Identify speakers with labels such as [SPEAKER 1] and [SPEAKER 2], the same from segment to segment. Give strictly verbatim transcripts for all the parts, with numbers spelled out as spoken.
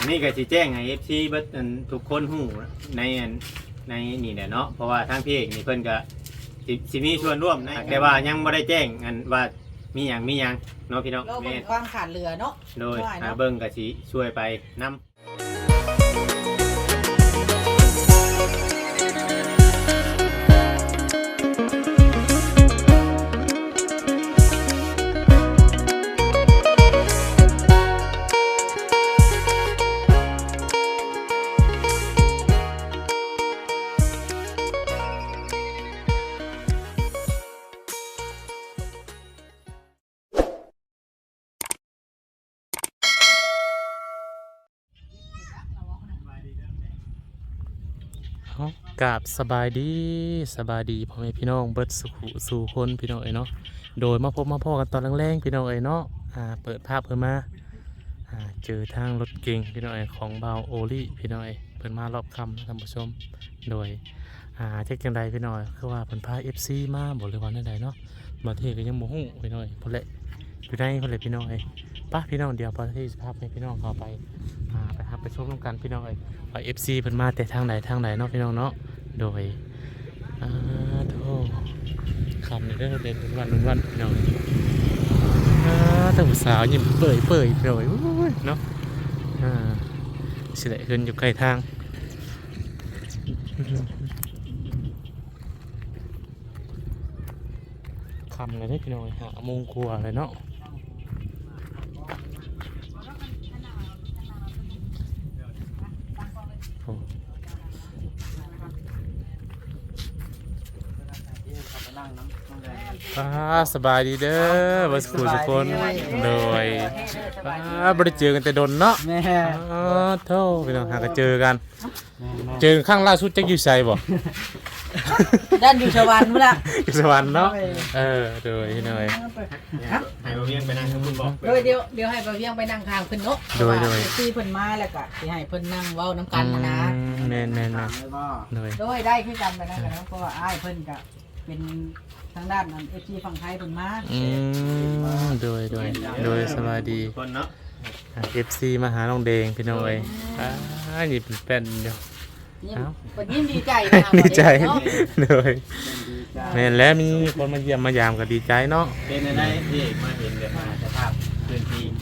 [SPEAKER 1] อันนี้ก็สิแจ้งให้ เอฟ ซี เบิดอันทุกคนฮู้ในอันในนี่แหละเนาะเพราะว่าทางพี่เอกนี่เพิ่นก็สิสิมีส่วนร่วมนะแต่ว่ายังบ่ได้แจ้งอันว่ามีหยังมีหยังเนาะพี่น้อง
[SPEAKER 2] เรา
[SPEAKER 1] แม่
[SPEAKER 2] เป็นความขาดเหลือเนาะ
[SPEAKER 1] โดย
[SPEAKER 2] ว่า
[SPEAKER 1] หา
[SPEAKER 2] เนาะ
[SPEAKER 1] เบิ่งก็สิช่วยไปนำ
[SPEAKER 3] กราบสบายดีสบายดีพ่อแม่พี่น้องเบิดสุขสู่คนพี่น้องเอ๋ยเนาะโดยมาพบมาพ่อกันตอนแรงๆพี่น้องเอ๋ยเนาะอ่าเปิดภาพเพิ่นมาอ่าเจอทางรถเก๋งพี่น้องเอ๋ยของเบาโอลี่พี่น้องเอ๋ยเพิ่นมารอบค่ำท่านผู้ชมโดยอ่าเช็คจังใดพี่น้องคือว่าเพิ่นพา เอฟ ซี มาบ่เลยว่าแนวใดเนาะมาเทก็ยังบ่ฮู้พี่น้องเอ๋ยพุ่นแหละอยู่ในพุ่นแหละพี่น้องเอ๋ยป่ะพี่น้องเดี๋ยวพอที่สภาพให้พี่น้องเข้าไปอ่าไปครับไปชมร่วมกันพี่น้องเอ๋ยว่า เอฟ ซี เพิ่นมาแต่ทางไหนทางไหนเนาะพี่น้องเนาะโดยอ่าโธ่คำนี้ได้เด่นวันวันพี่น้องอ่าแต่ผู้สาวยิ้มเปื่อยเปื่อยเปื่อยเนาะอ่าสิได้ขึ้นอยู่ใกล้ทางคำเลยได้พี่น้องหาโมงกลัวเลยเนาะป้าสบายดีเด้อบัสกูทุกคนโดยป้าบริเจอกันแต่ดนเนาะ
[SPEAKER 4] แม่
[SPEAKER 3] อ๋อเท่าพี่น้องหากันเจอกันเจอข้างล่าสุดจักอยู่ไสบ่
[SPEAKER 2] ด้านอยู่สวรรค์มื้อละ
[SPEAKER 3] อยู่สวรรค์เนาะเออโดยพี่น้อย
[SPEAKER 1] ให้บ่เวียงไปนั่งกับคุณบอก
[SPEAKER 2] โดยเดี๋ยวเดี๋ยวให้บ่าวเวียงไปนั่งข้างเพิ่นเนาะ
[SPEAKER 3] โดยโดย
[SPEAKER 2] ที่เพิ่นมาแล้วก็สิให้เพิ่นนั่งเว้านํกันนะนะ
[SPEAKER 3] แม่นแม่นแม่นโดย
[SPEAKER 2] โดยได้คือกันไปนั่นกันเนาะเพราะว่าอ้ายเพิ่นก็เป็นทางด้านนั้น เอฟ ซี ฝั่งไทยเพิ่นมา
[SPEAKER 3] อืมโดยโดยโดยสบายดี
[SPEAKER 1] คนเนาะ
[SPEAKER 3] เอฟซีมาหาน้องแดงพี่น้อยอ่านี่เป็นแป้นเดียว
[SPEAKER 2] ยิ้ม
[SPEAKER 3] เอ้า
[SPEAKER 2] เพิ่นยิ้มดีใจนะ
[SPEAKER 3] ดีใจ
[SPEAKER 2] เนาะ
[SPEAKER 3] โดยแม่นแล้วมีคนมาเยี่ยมมายามก็ดีใจเนาะ
[SPEAKER 1] เป็นได้พี่เอกมาเห็นแบบมาสภาพพื้นที่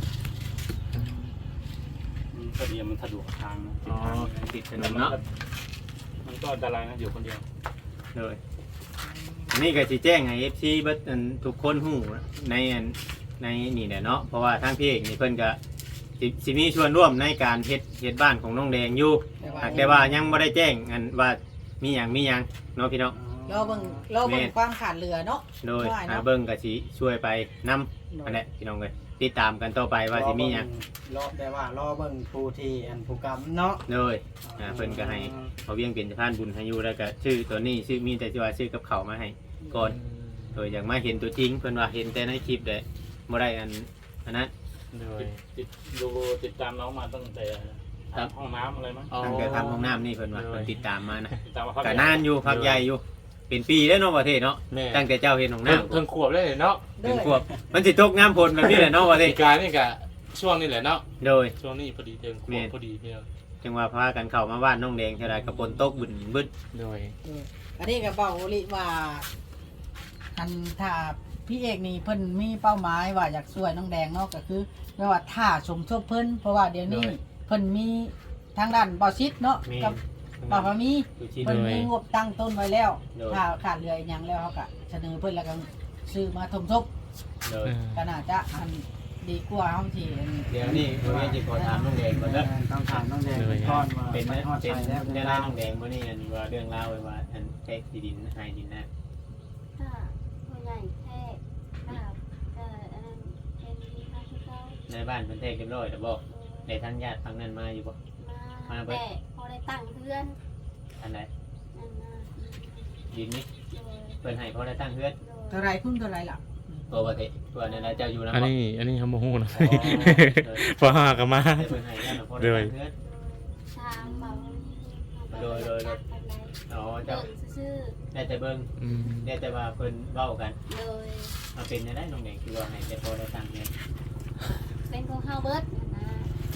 [SPEAKER 4] พอดีมันสะดวกทางนะ
[SPEAKER 1] อ๋อติดถนนเนาะ
[SPEAKER 4] มันก็อันตรายนะอยู่คนเดียว
[SPEAKER 1] เลยอันนี้ก็สิแจ้งให้ เอฟ ซี เบิดอันทุกคนฮู้ในอันในนี่แหละเนาะเพราะว่าทางพี่เอกนี่เพิ่นก็สิสิมีส่วนร่วมในการเฮ็ดเฮ็ดบ้านของน้องแดงอยู่แต่ว่ายังบ่ได้แจ้งอันว่ามีหยังมีหยังเนาะพี่น้อง
[SPEAKER 2] รอเบิ่งรอเบิ่งความขาดเหลือเนาะ
[SPEAKER 1] โดย
[SPEAKER 2] ว่า
[SPEAKER 1] หา
[SPEAKER 2] เนาะ
[SPEAKER 1] เบิ่งก็สิช่วยไปนำอันนี้พี่น้องเอ้ยติดตามกันต่อไปว่าสิมีหยัง
[SPEAKER 5] รอแต่ว่ารอเบิ่งผู้ที่อันผู้กรรมเนาะ
[SPEAKER 1] โดยอ่าเพิ่นก็ให้เขาเวียงเป็นสะพานบุญให้อยู่แล้วก็ชื่อตัวนี้ชื่อมีแต่สิว่าชื่อกับเขาวมาให้ก่อนโดยอยากมาเห็นตัวจริงเพิ่นว่าเห็นแต่ในคลิปได้บ่ได้อันอันนั้น
[SPEAKER 3] โดย
[SPEAKER 4] ติดดูติดตามน้องมาตั้งแต่ห้องน้ำอะไรมั้ง
[SPEAKER 1] ตั้งแต่ทำห้องน้ำนี่เพิ่นว่า
[SPEAKER 3] โดย
[SPEAKER 1] เพิ่นติดตามมานะ
[SPEAKER 4] ติดตามมา
[SPEAKER 1] ก็นานอยู่พักใหญ่อยู่เป็นปีแล้วเนาะประเทศเนาะ
[SPEAKER 3] แม่
[SPEAKER 1] ตั้งแต่เจ้าเห็นห้อง
[SPEAKER 3] เพิ่ง
[SPEAKER 1] น้ำ
[SPEAKER 3] เพิ่งขวบได้เนาะ
[SPEAKER 2] โด
[SPEAKER 1] ถึง
[SPEAKER 2] ย
[SPEAKER 1] ขวบมันสิตกน้ำฝนแบบนี้แหละเนาะประเท
[SPEAKER 3] เห
[SPEAKER 1] ศ
[SPEAKER 3] ตุการณ์นี่ก็ช่วงนี้แหละเนาะ
[SPEAKER 1] โดย
[SPEAKER 3] ช่วงนี้พอดีเทิงขวบพอดีพี่น้อง
[SPEAKER 1] จังว่าพากันเข้ามาบ้านน้องแดงเท่าไรกับฝนตกบึนบึ้น
[SPEAKER 3] โดย
[SPEAKER 2] อันนี้ก็เว้าลิว่าอันถ้าพี่เอกนี่เพิ่นมีเป้าหมายว่าอยากช่วยน้องแดงเนาะก็คือแปลว่าถ้าสมทบเพิ่นเพราะว่าเดี๋ยวนี้เพิ่นมีทางด้านบ่อซิดเนาะ
[SPEAKER 1] มี
[SPEAKER 2] กับป่าพามี
[SPEAKER 1] ดูชิ
[SPEAKER 2] เพิ่นมีงบตั้งต้นไว้แล้ว
[SPEAKER 1] โดย
[SPEAKER 2] ถ้าขาดเหลืออีกอย่างแล้วเขาก็เสนอเพิ่นแล้วก็ซื้อมาทมทบ
[SPEAKER 1] โดย
[SPEAKER 2] ก็น่าจะอันดีกว่าเฮาที่อัน
[SPEAKER 1] เดี๋ยวนี้เราจะขอถามน้องแดงก่อนเด้อ
[SPEAKER 5] ต้องถามน้องแดงก่อนว่า
[SPEAKER 1] เป็น
[SPEAKER 5] ไป
[SPEAKER 1] นะ
[SPEAKER 5] ฮอด
[SPEAKER 1] เป็น
[SPEAKER 5] ใจแล้ว
[SPEAKER 1] เรื่องราวน้องแดงมื่อนี้อันว่าเรื่องราวไว้ว่าอันแท็กที่ดินหายดินนะ
[SPEAKER 6] ถ้าผู้ใหญ่แท้ถ้าเอ่ออันนั้นเป็นที่พระพุทธเจ้า
[SPEAKER 1] ในบ้านเพิ่นแท็กเรียบร้อยแต่บอกในทางญาติทางนั้นมาอยู่บ่
[SPEAKER 6] มาแต่พอได้ตั้งเพื่อน
[SPEAKER 1] อันไหน
[SPEAKER 6] นั่นนะ
[SPEAKER 1] ดินนี้
[SPEAKER 6] โดย
[SPEAKER 1] เพิ่นให้พอได้ตั้งเฮือน
[SPEAKER 6] โด
[SPEAKER 2] เท่าย ไรคุณเท่าไรล่ะ
[SPEAKER 1] ตัวประเทศตัวนั้นนะเจ้าอยู่นะ
[SPEAKER 3] อัน
[SPEAKER 1] บ่
[SPEAKER 3] นี้อันนี้เขาโมโหนะ
[SPEAKER 1] อ๋อ
[SPEAKER 3] พอหากันมา
[SPEAKER 1] แต่เพิ่นให้ญาติพอได้ตั้งเฮือน
[SPEAKER 6] ทางเบา
[SPEAKER 1] โดยโดยโดย อ๋อ
[SPEAKER 6] เดิ
[SPEAKER 1] เจ้าน
[SPEAKER 6] ซื่อ
[SPEAKER 1] ได้แต่เบิ่ง
[SPEAKER 3] อืม
[SPEAKER 1] ได้แต่ว่าเพิ่นเว้ากัน
[SPEAKER 6] ๆโดย
[SPEAKER 1] มาเป็นได้น้องแดงคือว่าให้แต่พอได้ตั้งเฮือน
[SPEAKER 6] เป็นของเฮาเบิร์ดนะ
[SPEAKER 1] อ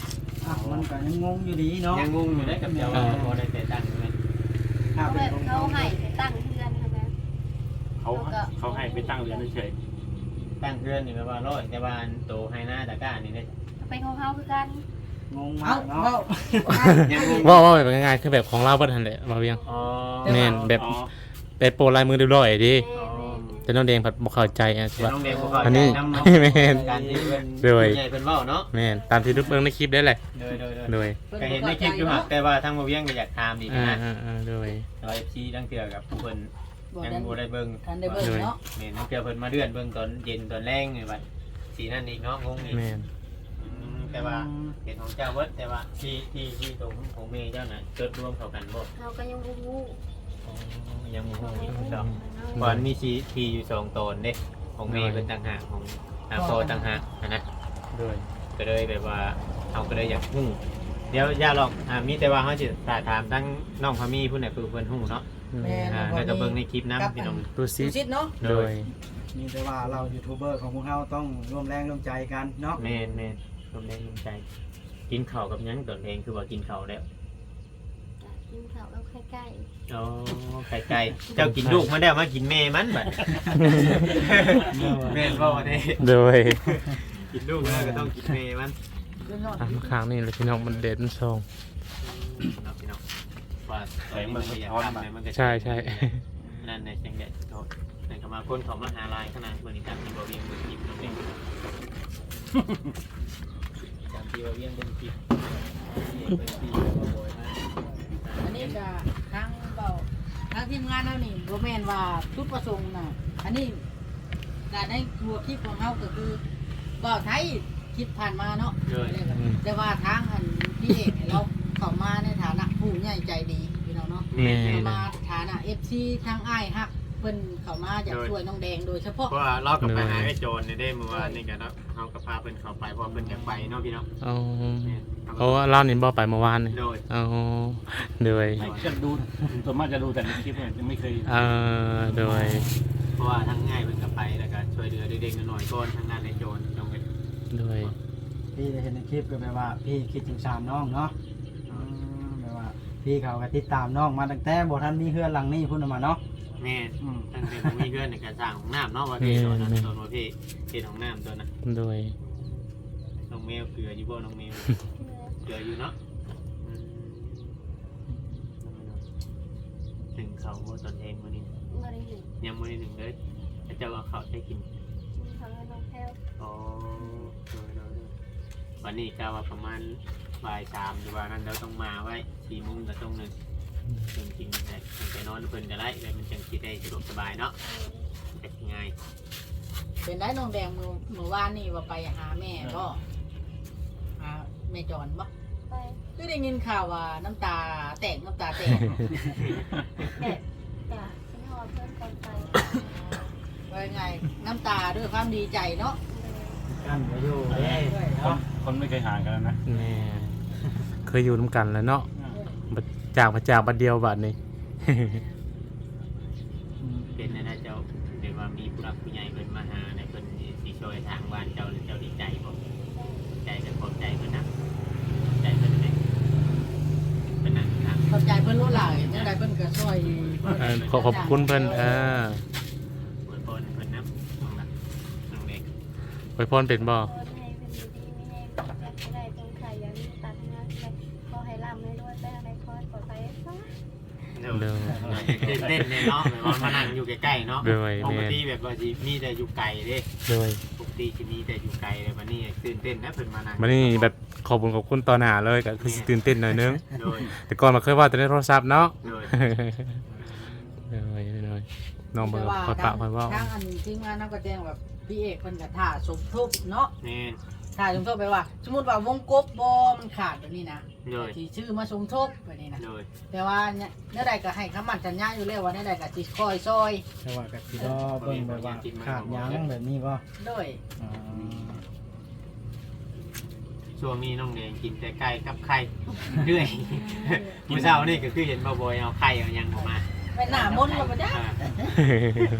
[SPEAKER 5] อ่ะมันก็ยังงงอยู่ดีเนาะ
[SPEAKER 1] ยังงงอยู่ได้กับเจ้าว่าบ่ได้แต่ตั้งเลย
[SPEAKER 5] ถ้า
[SPEAKER 6] เขา
[SPEAKER 5] เป็
[SPEAKER 6] แบ
[SPEAKER 5] น
[SPEAKER 6] บ
[SPEAKER 5] ของ
[SPEAKER 6] เขาให้ไปตั้งเพื่อนใช่ไหม
[SPEAKER 4] เขาเขาให้ไปตั้งเรือนเฉย
[SPEAKER 1] ตั้งเพื่อนนี่แปลว่าร้อยแต่ว่าอันโตให้หน้าตะกร้านี่ได้
[SPEAKER 6] ไปของเขาคือกัน
[SPEAKER 5] งงมา
[SPEAKER 2] เอ้าก
[SPEAKER 5] เนาะ
[SPEAKER 2] เว้า
[SPEAKER 1] ยังงง
[SPEAKER 3] ว่าว่าแบบง่ายๆคือแบบของเราเบิ่ทันแหละบ่เวียง
[SPEAKER 1] อ๋อ
[SPEAKER 3] แม่นแบบ
[SPEAKER 4] อ๋อ
[SPEAKER 3] เป็นโปรลายมือเรียบร้อยดิ
[SPEAKER 6] แม่แม่
[SPEAKER 3] แต่น้องแดงผัดบ่เข้าใจอ่ะ
[SPEAKER 1] เดี๋ยว
[SPEAKER 3] ว่า
[SPEAKER 1] น้องเด็กบ่เข้า
[SPEAKER 3] อัน
[SPEAKER 1] ใจ
[SPEAKER 3] นี้
[SPEAKER 1] นำเนาะ
[SPEAKER 3] แม่น
[SPEAKER 1] การที่เพิ่น
[SPEAKER 3] โดย
[SPEAKER 1] ใหญ่เพิ่นเว้าเนาะ
[SPEAKER 3] แม่นตามที่ทุกเบิ่งในคลิปได้แหละ
[SPEAKER 1] โดยโดยโดย
[SPEAKER 3] โดย
[SPEAKER 1] ก็เห็นในคลิปอยู่ครับแต่ว่าทางบ่เวียงก็อยากถามอีก
[SPEAKER 3] อ่า
[SPEAKER 1] นะ
[SPEAKER 3] อ่าอ่าโดย
[SPEAKER 1] แต่ว่า เอฟ ซี ทั้งเทื่อกับผู้เพิ่น
[SPEAKER 2] บ่
[SPEAKER 1] ยัง
[SPEAKER 2] ได้
[SPEAKER 1] บ่ได้เบิ่ง
[SPEAKER 2] ทันได้เบิ่งเนาะ
[SPEAKER 1] แม่นทั้งเทื่อเพิ่นมาเดือนเบิ่งตอนเย็นตอนแรงนี่บัดสีนั่นอีกเนาะงงอีก
[SPEAKER 3] แม่น
[SPEAKER 1] อืมแต่ว่าเห็นของเจ้าเบิดแต่ว่าที่ที่ที่ตรงของเมย์เจ้าน่ะจดรวมเข้ากันบ่
[SPEAKER 6] เขาก็ยังบูบู
[SPEAKER 1] อ๋อยังบ่ฮู้อีก
[SPEAKER 6] บู
[SPEAKER 1] เจ้าก่อนมีชีทีอยู่สองตนเด้ของเมย์เป็นต่างหากของอาโปต่างหากอะนะ
[SPEAKER 3] โดย
[SPEAKER 1] ก็เลยแบบว่าเอาก็เลยอยากฮู้เดี๋ยวอย่าหรอกอ่ามีแต่ว่าเฮาสิถามทั้งน้องพามีผู้ใดคือเพิ่นฮู้เนาะ
[SPEAKER 2] แม่น
[SPEAKER 1] อ่าแล้วก็เบิ่งในคลิปนํพี่น้อง
[SPEAKER 3] ดูซิ
[SPEAKER 2] ดูซิดเนาะ
[SPEAKER 3] โดย
[SPEAKER 5] มีแต่ว่าเรายูทูบเบอร์ของพวกเราต้องร่วมแรงร่วมใจกันเนาะ
[SPEAKER 1] แม่นแม่นรวมแรงรวมใจ กินข้าวกับหยังตอนเองคือว่ากินข้าวแล้ว
[SPEAKER 6] กินข้าวแล้วใกล้
[SPEAKER 1] อ๋อไก่ไก่เจ้ากินลูกมาแล้วมากินแม่มันบัดแม่นบ่ได้
[SPEAKER 3] โดย
[SPEAKER 1] กินลูกแล้วก็ต้องกินแม่มัน
[SPEAKER 2] เรื่องยอด
[SPEAKER 3] อ่ะมาข้างนี่เลยพี่น้องมันเด็ดมันซอง
[SPEAKER 1] เนาะพี่น้องว่าแสงมันก็อยากทำมันก็
[SPEAKER 3] ใช่ใช่
[SPEAKER 1] นั่นในแสงแดดโทษนั่นก็มาคนของมหาลัยขนาดบริการที่บ่เวียงเบิ่งคลิปน้องเองจำที่บ่เวียงเบิ่งคลิปเบิ่งคลิปบ่บ่อยมาก
[SPEAKER 2] อันนี้ก็ทางเบาทางทีมงานเฮานี่บ่แม่นว่าจุดประสงค์น่ะอันนี้การให้ทัวร์คลิปของเฮาก็คือเบาไทยคลิปผ่านมาเนาะ
[SPEAKER 1] เลย
[SPEAKER 2] แต่ว่าทางอันพี่เอกเนี่ยเราเข้ามาในฐานะผู้ใหญ่ใจดีพี่น้องเนาะ
[SPEAKER 3] แม่
[SPEAKER 2] เข้าน มาฐานะ เอฟ ซี ทางอ้ายฮักเพิ่นเข้ามาอยากช่วยน้องแดงโดยเฉพาะ
[SPEAKER 1] เพราะว่าเรากับไปหาไอ้โจรเนี่ยได้เมื่อวานนี่กันเนาะเขากับพาเพิ่นเข้าไปเพราะเพิ่นอยากไปเนาะพี่เนาะ
[SPEAKER 3] เอา
[SPEAKER 1] เนี่ย
[SPEAKER 3] เพราะว่าเรานี่บ่ไปเมื่อวานนี่
[SPEAKER 1] โดย
[SPEAKER 3] เอาโดย
[SPEAKER 4] ไม่จะดูส่วนมากจะดูแต่ในคลิปเนี่ยยังไม่เคย
[SPEAKER 3] เอ่อโดย
[SPEAKER 1] เพราะว่าทั้งง่ายเพิ่นก็ไปแล้วก็ช่วยเหลือเด็กๆน้อยๆก่อนทางด้านไอ้โจรน้องเอ้ย
[SPEAKER 3] โดย
[SPEAKER 5] พี่ได้เห็นในคลิปก็แบบว่าพี่คิดถึงสามน้องเนาะอืมแบบว่าพี่เขาก็ติดตามน้องมาตั้งแต่บ่ทันมีเฮือนหลังนี้พุ่นน่ะมาเนาะ
[SPEAKER 1] แม่
[SPEAKER 5] อืม
[SPEAKER 1] ตั้งแต่ผมมีเพื่อนในการสร้างของน้ำเนาะว่าพี่ตัวนั้นตัวว่าพี่พี่ของน้ำตัวนั้น
[SPEAKER 3] โดย
[SPEAKER 1] น้องเมลเกลืออยู่บ่น้องเมล
[SPEAKER 6] ๆ
[SPEAKER 1] เกลืออยู่เนาะอืมหนึ่งเขาบ่ตอนเองวันนี้
[SPEAKER 6] บริหนึ่ง
[SPEAKER 1] ยังไม่ได้หนึ่งเลยแต่เจ้าเอาเขาวได้กิน
[SPEAKER 6] เขาให้น้องแพ้ว
[SPEAKER 1] อ๋อโดยโดยโดยวันนี้ก็ว่าประมาณบ่ายสามหรือว่านั้นเราต้องมาไว้สี่โมงกับตรงหนึ่งจริงๆได้ไปนอนเพิ่นก็ได้เลยมันจังคิดได้สะดวกสบายเนาะแต่ง่าย
[SPEAKER 2] เป็นได้น้องแดงมื้อมื้อวานนี่ว่าไปหาแม่บ่หาแม่จอนบ่
[SPEAKER 6] ไป
[SPEAKER 2] คือได้ยินข่าวว่าน้ำตาแตกน้ำตาแตก
[SPEAKER 6] แต่จ้ะฉันหอเพื่อนกันไป
[SPEAKER 2] ว่าไงน้ำตาด้วยความดีใจเนาะ
[SPEAKER 5] กันก็อยู่เด้
[SPEAKER 4] คน
[SPEAKER 5] เนาะ
[SPEAKER 4] คนไม่เคยห่างกันนะ
[SPEAKER 3] แม่เคยอยู่น้ำกันแล้วเนาะบัดจากมาจากบัดเดียวบัดนี้
[SPEAKER 1] เป็นนะนะเจ้าเดี๋ยวว่ามีผู้รักผู้ใหญ่เพิ่นมาหาในเพิ่นสิช่วยทางบ้านเจ้าหรือเจ้าดีใจบ่ใจกันขอบใจเพิ่นนะใจเพิ่นได้เป็นนั่งครับ
[SPEAKER 2] ขอบใจเพิ่นรู้หลายจังไดเพิ่นก็ช่วย
[SPEAKER 3] เอ่อขอขอบคุณเพิ่นเออ
[SPEAKER 1] อวยพรให้เพิ่นนำน้องละน้องเด็ก
[SPEAKER 3] ไว้พรเป็นบ่
[SPEAKER 6] ขอให้เป็นดีไม่ให้แบบไม่ได้จงใครอย่ามีตัดงานเลยขอให้ร่ำให้รวยไปอะไรขอให้ปลอดภัยซะ
[SPEAKER 1] เดี๋ยวเต้นเต้นเลยเนาะแบบว่ามานั่งอยู่ใกล้ๆเนาะ
[SPEAKER 3] โดย
[SPEAKER 1] ปก
[SPEAKER 3] แม่
[SPEAKER 1] ติแบบว่าสิมีแต่อยู่ไกลเด้
[SPEAKER 3] โดย
[SPEAKER 1] ปกติสิมีแต่อยู่ไกลเลยวันนี้ตื่นเต้นนะเพิ่นมานั่ง
[SPEAKER 3] มานี่แบบขอบคุณขอบคุณตอนหน้าเลยก็คือสิตื่นเต้นหน่อยนึง
[SPEAKER 1] โดย
[SPEAKER 3] แต่ก่อนมาเคยว่าแต่ในโทรศัพท์เนาะ
[SPEAKER 1] โดย
[SPEAKER 3] โดยโดยน้องเบอร์คอยปะคอยเว่า
[SPEAKER 2] ทางอันทีมงานนำก็แจ้งแบบพี่เอกเพิ่นก็ท่าสมทบเนาะ
[SPEAKER 1] แม่น
[SPEAKER 2] ท่าสมทบไปว่า สมมุติว่าวงกบบ่มันขาดแบบนี้นะ
[SPEAKER 1] โดย
[SPEAKER 2] ที่ชื่อมาสมทบแบบนี้นะ
[SPEAKER 1] โดย
[SPEAKER 2] แต่ว่าเนี่ยเนื้อใดก็ให้คำมั่นสัญญาอยู่แล้วว่าเนื้อใดก็สิคอยซอย
[SPEAKER 5] แต่ว่าก็สิรอเบิ่งแบบว่าขาดหยังแบบนี้บ่
[SPEAKER 2] ด้วย
[SPEAKER 5] อ๋อ
[SPEAKER 1] ช่วงนี้น้องแดงกินแต่ไก่กับไข่เรื่อยมื้อเช้านี่ก็คือเห็นบ่บ่อยเอาไข่เอาหยังออกมา
[SPEAKER 2] ไปหน้ามนต์แล้วบ่จ้ะ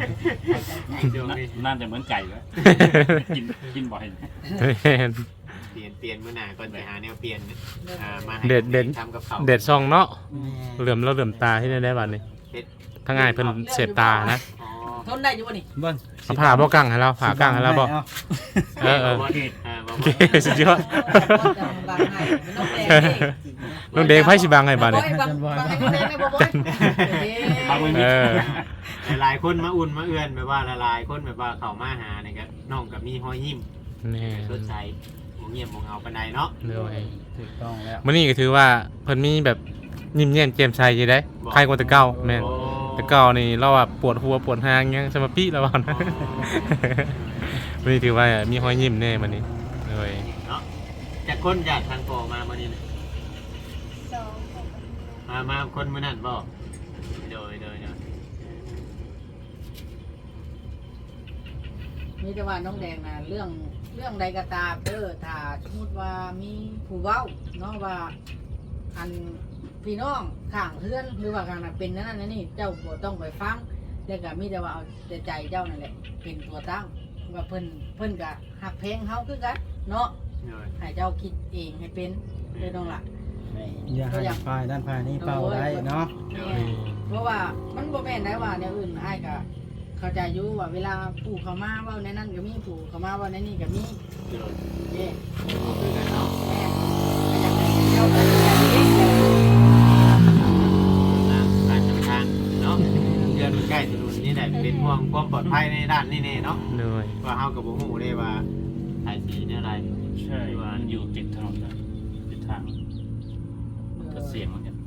[SPEAKER 1] ช่วงนี้
[SPEAKER 4] น่าจะเหมือนไก่แล้วกินกินบ่อย
[SPEAKER 3] แม่น
[SPEAKER 1] ปลี่ยนเปลี่ยนมื้อหน้าก่อนไปหาแนวเปลี่ยนอ่ามาให้
[SPEAKER 3] เด็ดเด็ด
[SPEAKER 1] ทำกับข้าว
[SPEAKER 3] เด็ดซองเนาะ
[SPEAKER 5] แม่
[SPEAKER 3] เหลื่อมแล้วเหลื่อมตาที่ได้ได้บัดนี้
[SPEAKER 1] เฮ็ด
[SPEAKER 3] ทั้งง่ายเพิ่นเสพตานะ
[SPEAKER 1] อ๋อ
[SPEAKER 2] ทนได้อยู่บ่นี่
[SPEAKER 5] เบิ่ง
[SPEAKER 3] เอาผ้าบ่กังให้เราผ้ากังให้เราบ่
[SPEAKER 5] เอา
[SPEAKER 3] เออเออ
[SPEAKER 1] บ่อ่าบ่
[SPEAKER 3] โอ
[SPEAKER 1] บ่
[SPEAKER 3] เคสุดยอด
[SPEAKER 2] บางให้น้องแดงนี่
[SPEAKER 3] น้องเดงไผสิบังให้บัดนี้
[SPEAKER 2] บางบางให้น้องแดงได้บ่บ่
[SPEAKER 4] บางมือ
[SPEAKER 3] เออ
[SPEAKER 1] หลายๆคนมาอุ่นมาเอื้อนแบบว่าหลายๆคนแบบว่าเข้ามาหานี่ก็น้องก็มีรอยยิ้ม
[SPEAKER 3] แน่
[SPEAKER 1] สดใสบ่เงียบบ่เหงาปานใดเนาะ
[SPEAKER 3] เลย
[SPEAKER 5] ถูกต้องแล้ว
[SPEAKER 3] มื้อนี้ก็ถือว่าเพิ่นมีแบบยิ้มแย้มแจ่มใสอยู่ได้ใครกว่าแต่เก่าแม่น
[SPEAKER 1] โอ้
[SPEAKER 3] แต่เก่านี่เราว่าปวดหัวปวดหางยังสมาปิแล้วว่านะ มื้อนี้ถือว่ามีรอยยิ้มแน่มื้อนี้เลย
[SPEAKER 1] เนาะจากคนจากทางโปมามื้อนี้น่ะ
[SPEAKER 6] สองคน
[SPEAKER 1] มามาคนมื้อนั้นบ่โดยโดยโดย
[SPEAKER 2] มีแต่ว่าน้องแดงน่ะเรื่องเรื่องใดก็ตามเด้อถ้าสมมุติว่ามีผู้เว้าเนาะว่าอันพี่น้องข้างเพื่อนหรือว่าข้างนั้นเป็นนั่นนั่นนี่เจ้าบ่ต้องไปฟังแล้วก็มีแต่ว่าเอาแต่ใจเจ้านั่นแหละเป็นตัวตั้งว่าเพิ่นเพิ่นก็หักเพลงเฮาคือกันเนาะ
[SPEAKER 1] โดย
[SPEAKER 2] ให้เจ้าคิดเองให้เป็นเด้อน้องล่ะ
[SPEAKER 5] อย่าให้ฝ่ายด้านฝ่ายนี้เป่าได้เนาะ
[SPEAKER 1] โดย
[SPEAKER 3] อืม
[SPEAKER 2] เพราะว่ามันบ่แม่นได้ว่าแนวอื่นอ้ายก็เข้าใจอยู่ว่าเวลาปู่เขามาเว้าในนั้นก็มีปู่เขามาเว้าในนี้ก็มี
[SPEAKER 1] โดย
[SPEAKER 2] เด้
[SPEAKER 1] คือกันเนาะ
[SPEAKER 2] แม่ก็อยากให้เจ้าตัดสินใจเอง
[SPEAKER 1] ตามการนำทางเนาะเดือนใกล้ถนนนี่แหละเป็นห่วงความปลอดภัยในด้านนี้แน่เนาะ
[SPEAKER 3] เลย
[SPEAKER 1] ว่าเฮาก็บ่ฮู้ได้ว่าสายสีเนี่ยอะไร
[SPEAKER 4] ใช่มันอยู่ติดถนนนะติดทางก็เสียงเหมือนกัน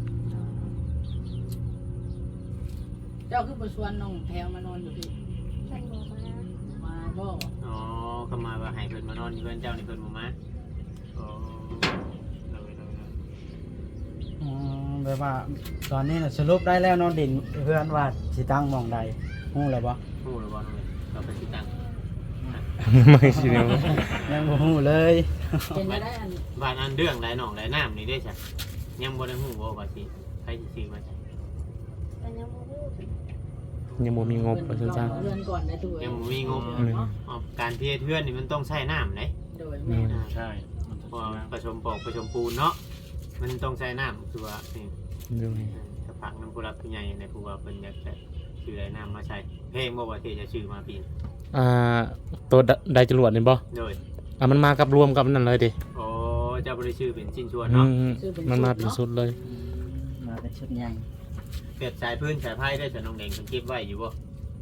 [SPEAKER 2] เจ้าคือบ่ชวนน้องแพรวมานอนอยู่พี่
[SPEAKER 6] เพิ่นบอกมา
[SPEAKER 2] มาบ่
[SPEAKER 1] อ๋อก็มาว่าให้เพิ่นมานอนอยู่เพิ่นเจ้านี่เพิ่นบ่มาอ๋อโดยโดยโดย
[SPEAKER 5] อืมแบบว่าตอนนี้น่ะสรุปได้แล้วเนอนดินเพื่อนว่าสิตั้งหมองใดฮู้แล้วบ่
[SPEAKER 1] ฮู้หรือบ่น้องเอ้ยก็ไปสิตัง
[SPEAKER 3] ไม่สิเนี่ย
[SPEAKER 5] ยังบ่ฮู้เลย
[SPEAKER 2] เป็นไปได้อัน
[SPEAKER 1] บ้านอันเรื่องหลายหนองหลายน้ำนี่ได้จ้ะยังบ่ได้ฮู้ว่าว่าสิใครสิซื้อมาจ้ะ
[SPEAKER 6] เป็นยังบ่รู้
[SPEAKER 3] ยังบ่มีงบว่าซั่นซะ
[SPEAKER 2] เรือนก่อนได้ตัว
[SPEAKER 1] ยังบ่มีงบ
[SPEAKER 3] อืม
[SPEAKER 1] อ๋อการเทเทือนนี่มันต้องใช้น้ำเด้
[SPEAKER 2] โดยแม่
[SPEAKER 1] อ่า
[SPEAKER 4] ใช่มัน
[SPEAKER 1] เพราะ
[SPEAKER 4] จะ
[SPEAKER 1] ว่าผสมปอกผสมปูนเนาะมันต้องใช้น้ำคือว่านี่
[SPEAKER 3] เลย
[SPEAKER 1] ถ้าผักน้ำผู้รับผู้ใหญ่ในผู้ว่าเพิ่นอยากจะซื้ออะไรน้ำมาใช้เพลงบ่ว่าที่จะซื้อมาปีน
[SPEAKER 3] อ่าตัวไดจรวดนี่บ่
[SPEAKER 1] โดย
[SPEAKER 3] อ่ะมันมากับรวมกับนั่นเลยดิ
[SPEAKER 1] โอ้เจ้าบ่ได้ซื้อเป็นชิ้นส่วน
[SPEAKER 3] อื
[SPEAKER 1] เนาะ
[SPEAKER 3] มมันมาเป็นชุดเลย
[SPEAKER 5] มาเป็นชุดใหญ่
[SPEAKER 1] เปรียบสายพื้นสายไพ่ได้สน้องแดงเพิ่นเก็บไว้อยู่บ่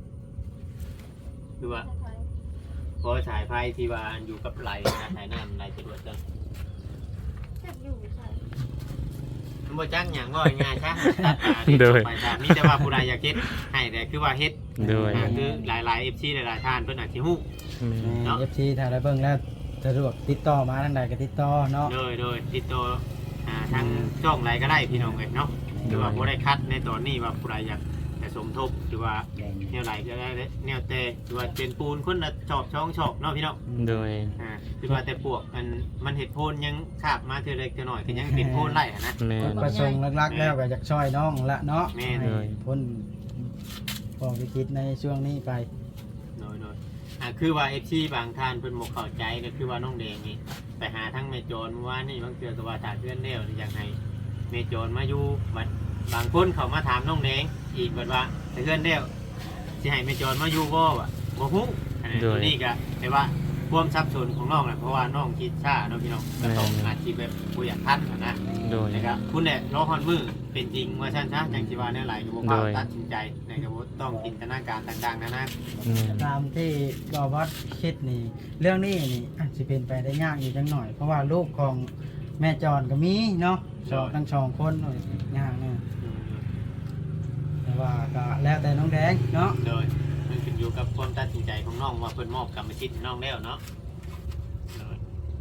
[SPEAKER 1] คือว่า
[SPEAKER 6] ถ้าใคร
[SPEAKER 1] เพราะสายไพ่ที่ว่าอยู่กับไหลนะสายน้ำไหลจรวดจัง
[SPEAKER 6] จักอยู่ใช่
[SPEAKER 1] มันบ่จักหยังว่าง่ายๆซะตัดมาที่ไปจ้ะมีแต่ว่าผู้ใดอยากเฮ็ดให้แต่คือว่าเฮ็ด
[SPEAKER 3] ด้วย
[SPEAKER 1] อ่าคือหลายๆ เอฟ ซี หลายๆท่านเพิ่นอาจสิฮู้ เนาะ
[SPEAKER 5] เอฟซีถ้าได้เบิ่งแล้วสะดวกติดต่อมาทางใดก็ติดต่อเนาะ
[SPEAKER 1] โดยโดยติดต่ออ่าทางช่องไหนก็ได้พี่น้องเอ้ยเนาะหรือว่าบ่ได้คัดในตอนนี้ว่าผู้ใดอยากจะสมทบหรือว่าแนวไหนก็ได้แนวแต่หรือว่าเป็นปูนคนละชอบช่องชอบเนาะพี่น้อง
[SPEAKER 3] ด้วย
[SPEAKER 1] อ่าคือว่าแต่ปวกมันมันเห็ดโพนยังขาบมาเท่าเล็กเท่าน้อยก็ยังเป็นโพนไล่อะนะ
[SPEAKER 3] แม่
[SPEAKER 5] จุด
[SPEAKER 3] น
[SPEAKER 5] ประสงค์หลักๆแล้วก็อยากช่วยน้องละเนาะ
[SPEAKER 1] แม่น
[SPEAKER 5] ให้พ้นพอวิกฤตในช่วงนี้ไป
[SPEAKER 1] โดยโดยอ่าคือว่า เอฟ ซี บางท่านเพิ่นบ่เข้าใจก็คือว่าน้องแดงนี่ไปหาทั้งแม่โจรเมื่อวานนี่บางเทื่อก็ว่าถ้าเพื่อนแล้วอยากให้แม่โจรมาอยู่บัดบางคนเขามาถามน้องแดงอีกบัดว่าถ้าเพื่อนแล้วสิให้แม่โจรมาอยู่บ่วะบ่ฮู้อันนี้ตัวนี้ก็แต่ว่าความสับสนของน้องน่ะเพราะว่าน้องคิดช้าเนาะพี่น้องก็ต้องอาชีพแบบบ่อยากทันอะนะ
[SPEAKER 3] ด้วย
[SPEAKER 1] นะครับคุณเนี่ยรอฮอนมือเป็นจริงว่าชั้นซะจังสิว่าแนวไหลก็บ่ว่า
[SPEAKER 3] โดย
[SPEAKER 1] ตัดสินใจนะครับบ่ต้องจินตนาการต่างๆนะนะ
[SPEAKER 3] แม่น
[SPEAKER 5] ตามที่กอวัดคิดนี่ เรื่องนี้นี่อาจจะเป็นไปได้ยากอยู่จังหน่อย เพราะว่าลูกของแม่จอนก็มีเนาะสองทั้งสองคนหน่อยยากเนี่ยแต่ว่าก็แล้วแต่น้องแดงเนาะ
[SPEAKER 1] โดยมันขึ้นอยู่กับความตัดสินใจของน้องว่าเพิ่นมอบกรรมสิทธิ์ให้น้องแล้วเนาะโดย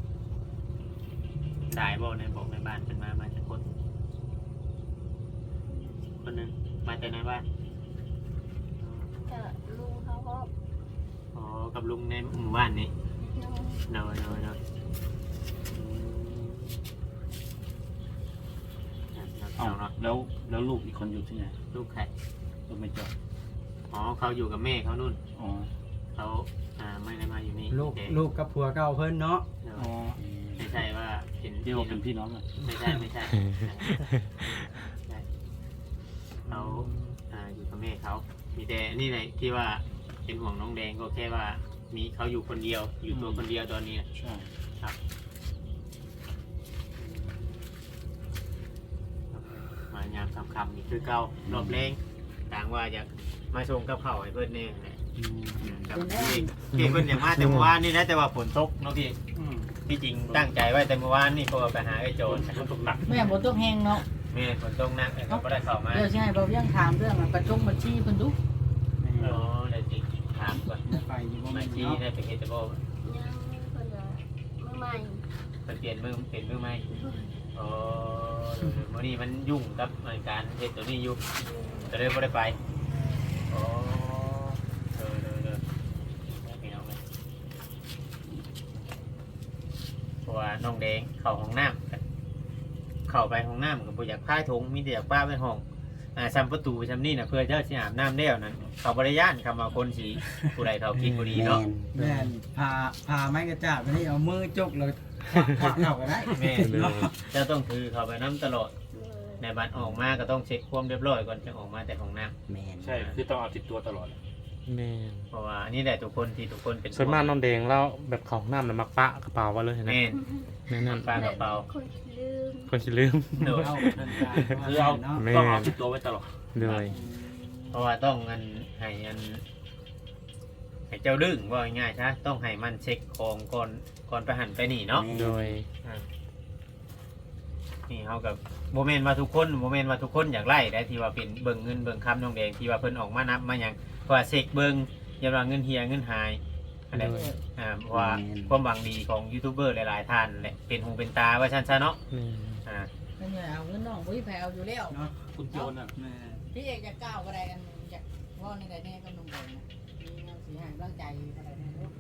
[SPEAKER 1] ได้บ่ในบอกในบ้านเพิ่นมามาจากคนคนหนึงมาจากในบ้าน
[SPEAKER 6] จะลุงเขาก็
[SPEAKER 1] อ๋อกับลุงในหมู่บ้านนี้
[SPEAKER 6] น้อง
[SPEAKER 1] โดยโดยโดยอืม
[SPEAKER 4] เอ้า
[SPEAKER 1] เอาเนาะ
[SPEAKER 4] แล้วแล้วลูกอีกคนอยู่ที่ไหน
[SPEAKER 1] ลูกใคร
[SPEAKER 4] ลูกไม่จอด
[SPEAKER 1] อ๋อเขาอยู่กับแม่เขานู่น
[SPEAKER 4] อ๋อ
[SPEAKER 1] เขาอ่าไม่ได้มาอยู่นี่
[SPEAKER 5] ลูก
[SPEAKER 1] แต่
[SPEAKER 5] ลูกกับผัวเก่าเพิ่นเนาะ
[SPEAKER 1] เดี๋ยว
[SPEAKER 4] อ๋อ
[SPEAKER 5] อ
[SPEAKER 1] ใช่ว่าเป็น
[SPEAKER 4] เดี๋ยวเป็นพี่น้องกัน
[SPEAKER 1] ไม่ใช่ไม่ใช่ใช่เขาอ่าอยู่กับแม่เขามีแต่นี่แหละที่ว่าเป็นห่วงน้องแดงก็แค่ว่ามีเขาอยู่คนเดียวอยู่ตัวคนเดียวตอนนี้
[SPEAKER 4] ใช่
[SPEAKER 1] ครับมายามคำคำนี่คือเก่ารอบแรงต่างว่าอยากมาชงกับเขาวให้เพื่อนเนี่ยแหละครับพี่พี่เพื่อนอย่างมาแต่เมื่อวานนี่นะแต่ว่าฝนตกเนาะพี่
[SPEAKER 4] อืม
[SPEAKER 1] ที่จริงตั้งใจไว้แต่เมื่อวานนี่ก็ไปหาไอ้โจร
[SPEAKER 4] มันตกหนัก
[SPEAKER 2] แม่บ่ต้องแฮงเนาะ
[SPEAKER 1] แม่ฝนตกหนักแต่ก็ไม่ได้เข้ามา
[SPEAKER 2] เดี๋ยวสิให้บ่เวียงถามเรื่องประจงบัญชีเพิ่นดู
[SPEAKER 5] แม่
[SPEAKER 1] อ๋อได้จริงถามก่อน
[SPEAKER 5] ไปอยู่บ่
[SPEAKER 1] มา
[SPEAKER 5] แม่น
[SPEAKER 1] ชี้
[SPEAKER 5] เนาะ
[SPEAKER 1] ได้ไปเฮตโบ
[SPEAKER 6] ยังเพิ่นว่ามือใหม่
[SPEAKER 1] มันเปลี่ยนมือเปลี่ยนมือไหมอ๋อวันนี้มันยุ่งกับการเฮ็ดตัวนี้อยู่จะเลยไม่ได้ไปอ๋อเออเออเออพี่น้องเลยเพราะว่าน้องแดงเข้าห้องน้ำเข้าไปห้องน้ำกับบ่อยากพายถุงมีแต่อยากป้าไปห้องอ่าซ้ำประตูซ้ำนี่นะเพื่อเจ้าสิอาบน้ำแล้วนั้นเขาบริยานคำว่าคนสีผู้ใดเขากินบุรีเนาะ
[SPEAKER 5] แม่นพาพาไม้กระจาดไปนี่เอามือจกเลยควักควักเข้าก็ได้
[SPEAKER 1] แม่เจ้าต้องถือเขาไปน้ำตลอด
[SPEAKER 6] เลย
[SPEAKER 1] ในบัตรออกมาก็ต้องเช็คความเรียบร้อยก่อนจะออกมาแต่ของน้
[SPEAKER 7] แมน
[SPEAKER 4] ใช่คือต้องเอาติดตัวตลอด
[SPEAKER 3] แม่น
[SPEAKER 1] ำเพราะว่านี่แหละทุกคนที่ทุกคนเป็น
[SPEAKER 3] ส่วนมากน้องแดงเราแบบของน้ำน่ะมักปะกระเป๋าไว้เลยนะ
[SPEAKER 1] แม่น
[SPEAKER 3] นั่นนั่น
[SPEAKER 1] ปลากระเป๋า
[SPEAKER 6] คนขี้ลืม
[SPEAKER 3] คนสิลืม
[SPEAKER 1] โดย
[SPEAKER 5] เอาเดินทาง
[SPEAKER 4] คือเอา
[SPEAKER 5] เนาะ
[SPEAKER 3] แม่
[SPEAKER 4] ต้องเอาติดตัวไว้ตลอด
[SPEAKER 3] เลย
[SPEAKER 1] เพราะว่าต้องอันให้อันให้เจ้าดึงว่าง่ายๆใช่ต้องให้มันเช็คของก่อนก่อนไปหันไปนี่เนาะ
[SPEAKER 3] โดย
[SPEAKER 1] นี่เขากับโมเมนต์ว่าทุกคนโมเมนต์ว่าทุกคนอยากไล่ได้ที่ว่าเป็นเบิ่งเงินเบิ่งคำน้องแดงที่ว่าเพิ่นออกมานับมาอย่างเพราะว่าเช็คเบิ่งอย่าว่าเงินเฮียเงินหายอะไร
[SPEAKER 3] โดย
[SPEAKER 1] อ่าเพราะว่าความหวังดีของยูทูบเบอร์หลายๆท่านแหละเป็นหูเป็นตาว่าชันซะเนาะ
[SPEAKER 3] แม่น
[SPEAKER 1] อ่า
[SPEAKER 2] เพิ่นว่าเอาเงินน้องบ่มีไผเอาอยู่แล้ว
[SPEAKER 5] เนาะ
[SPEAKER 4] คุณโจนอ่ะ
[SPEAKER 5] แม่
[SPEAKER 2] พี่เอกอยากก้าวก็ได้กันอยากว่าในใดแน่ก็นุ่มแดงนะมีเงินสีหายร่างใจก็ได้นะลูก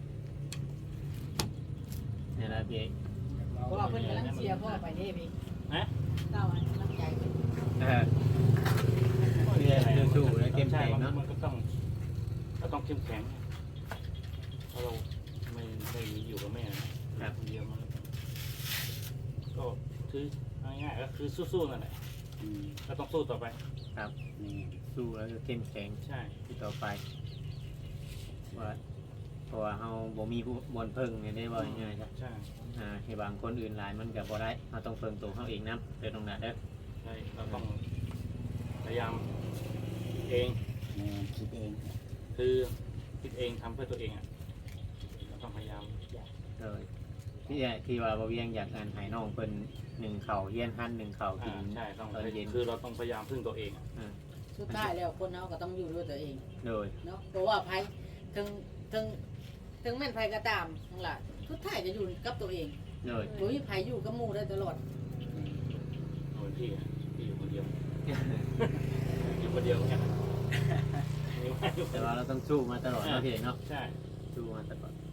[SPEAKER 1] เนี่ยนะพี่เอก
[SPEAKER 2] เพราะว่าเพิ่นกำลังเชียร์พ่อไปเด้พี่
[SPEAKER 4] ฮะ
[SPEAKER 2] ก้าวให้กำลังใจ
[SPEAKER 1] เออพี่เอกสู้ๆและเข้มแข็งเนาะ
[SPEAKER 4] มันก็ต้องก็ต้องเข้มแข็งเพราะเราไม่ไม่อยู่กับแม่นะคนเดียวมันก็คือง่ายๆก็คือสู้ๆนั่นแหละ
[SPEAKER 7] อืม
[SPEAKER 4] ก็ต้องสู้ต่อไป
[SPEAKER 7] แม่น
[SPEAKER 1] สู้แล้วก็เข้มแข็ง
[SPEAKER 4] ใช่
[SPEAKER 1] ที่ต่อไปว่าเพราะว่าเฮาบ่มีผู้บนเพิ่งเนี่ยได้ว่าง่ายๆครับ
[SPEAKER 4] ใช่
[SPEAKER 1] อ่าให้บางคนอื่นหลายมันก็บ่ได้เราต้องเพิ่งตัวเฮาเองนํเด้อตรงนั้นเด้อ
[SPEAKER 4] ใช่เราต้องพยายามเอง
[SPEAKER 7] แม่นคิดเอง
[SPEAKER 4] คือคิดเองทำเพื่อตัวเองอ่ะเราต้องพยายาม
[SPEAKER 1] เลยที่ที่ว่าบ่เวียงอยากงานให้น้องเพิ่นหนึ่งเข่าเฮียนหั่นหนึ่งเข่ากิ
[SPEAKER 4] อ่าน ใช่ต้อง
[SPEAKER 1] ตอนเย็น
[SPEAKER 4] คือเราต้องพยายามพึ่งตัวเองอะ
[SPEAKER 1] อ่า
[SPEAKER 2] สุดท้ายแล้วคนเฮาก็ต้องอยู่ด้วยตัวเอง
[SPEAKER 1] โดย
[SPEAKER 2] เนาะเพราะว่าไผถึงถึงถึงแม่นไผก็ตามทั้งหลายสุดท้ายจะอยู่กับตัวเอง
[SPEAKER 1] โดย
[SPEAKER 2] บ่มีไผอยู่กับหมู่ได้ตลอด
[SPEAKER 4] เหมือนพี่อะพี่อยู่คนเดียว อยู่คนเดียวเนี่ยมีว่าอยู่คน
[SPEAKER 1] แต่
[SPEAKER 4] เดียว
[SPEAKER 1] ว่าเราต้องสู้มาตลอดเนาะพี่เอกเนาะ
[SPEAKER 4] ใช่
[SPEAKER 1] สู้มาตลอด